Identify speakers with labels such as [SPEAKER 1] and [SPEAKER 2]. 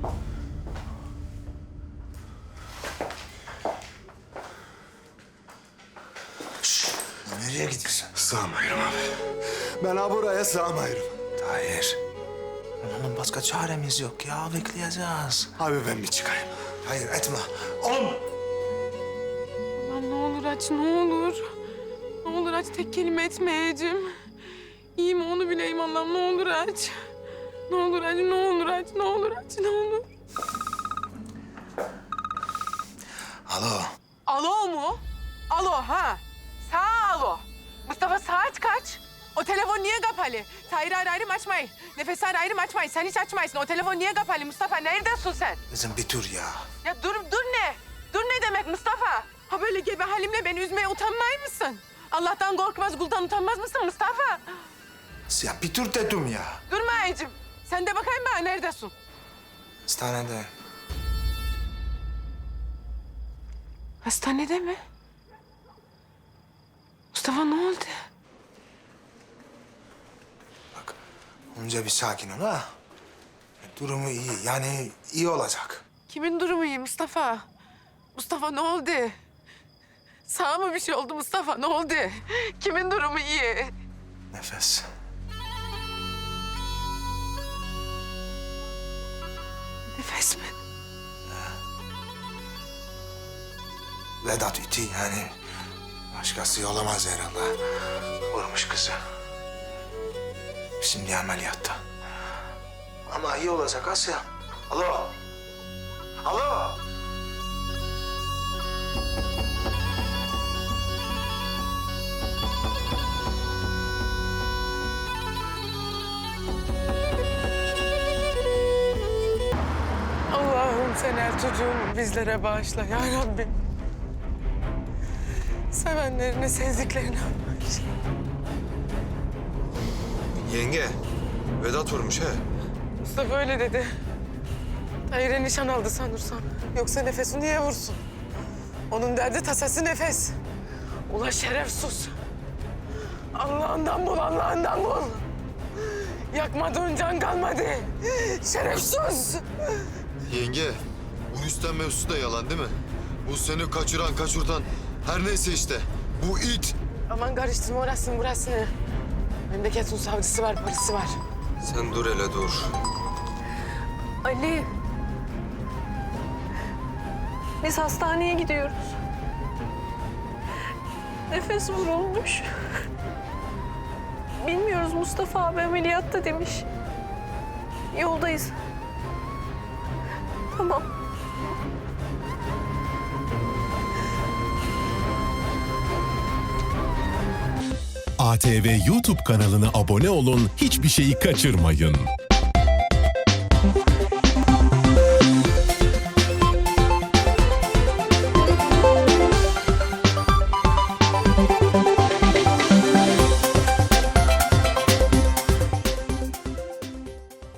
[SPEAKER 1] Nereye gidiyorsun?
[SPEAKER 2] Sığamıyorum abi. Ben ha buraya sığamıyorum.
[SPEAKER 1] Tahir. Onun başka çaremiz yok ya. Bekleyeceğiz.
[SPEAKER 2] Abi ben bir çıkayım.
[SPEAKER 1] Hayır etme. Oğlum.
[SPEAKER 3] Allah'ım ne olur aç, ne olur. Ne olur aç, tek kelime etmeyeceğim. İyi mi onu bileyim Allah'ım, ne olur aç. Ne olur aç, ne olur aç, ne olur aç, ne olur.
[SPEAKER 1] Alo.
[SPEAKER 3] Alo mu? Alo ha. Sağ alo. Mustafa saat kaç? O telefon niye kapalı? Tahir ararım açmayın. Nefes ararım açmayın. Sen hiç açmaysın. O telefon niye kapalı Mustafa? Neredesin sen?
[SPEAKER 1] Kızım bir dur ya.
[SPEAKER 3] Ya dur ne? Dur ne demek Mustafa? Ha böyle gebe halimle beni üzmeye utanmay mısın? Allah'tan korkmaz, kuldan utanmaz mısın Mustafa?
[SPEAKER 1] Ya bir dur dedim ya.
[SPEAKER 3] Durma Ayıcığım. Sen de bakayım bana neredesin?
[SPEAKER 1] Hastanede.
[SPEAKER 3] Hastanede mi? Mustafa ne oldu?
[SPEAKER 1] Bak önce bir sakin ol ha. Durumu iyi. Yani iyi olacak.
[SPEAKER 3] Kimin durumu iyi Mustafa? Mustafa ne oldu? Sana mı bir şey oldu Mustafa? Ne oldu? Kimin durumu iyi?
[SPEAKER 1] Nefes.
[SPEAKER 3] Nefes mi?
[SPEAKER 1] Vedat iti yani. Başkası olamaz herhalde. Vurmuş kızı. Şimdi ameliyatta. Ama iyi olacak Asya. Alo. Alo.
[SPEAKER 3] Allah'ım sen her çocuğumu bizlere bağışla ya Rabbim. Sevenlerine, sevdiklerine bağışla.
[SPEAKER 2] Yenge, Vedat vurmuş he.
[SPEAKER 3] Mustafa öyle dedi. Tahir'e nişan aldı sanırsam. Yoksa Nefes'i niye vursun? Onun derdi tasası Nefes. Ula şerefsiz. Allah'ından bul, Allah'ından bul. Yakmadığın can kalmadı. Şerefsiz.
[SPEAKER 4] Yenge, bu Rüstem mevzusu da yalan değil mi? Bu seni kaçıran, kaçırtan her neyse işte. Bu it.
[SPEAKER 3] Aman karıştırma orasını burasını. Memleketin savcısı var, polisi var.
[SPEAKER 4] Sen dur hele dur.
[SPEAKER 5] Ali. Biz hastaneye gidiyoruz. Nefes vurulmuş. Bilmiyoruz, Mustafa abi ameliyatta demiş. Yoldayız. Tamam.
[SPEAKER 6] ATV YouTube kanalına abone olun, hiçbir şeyi kaçırmayın.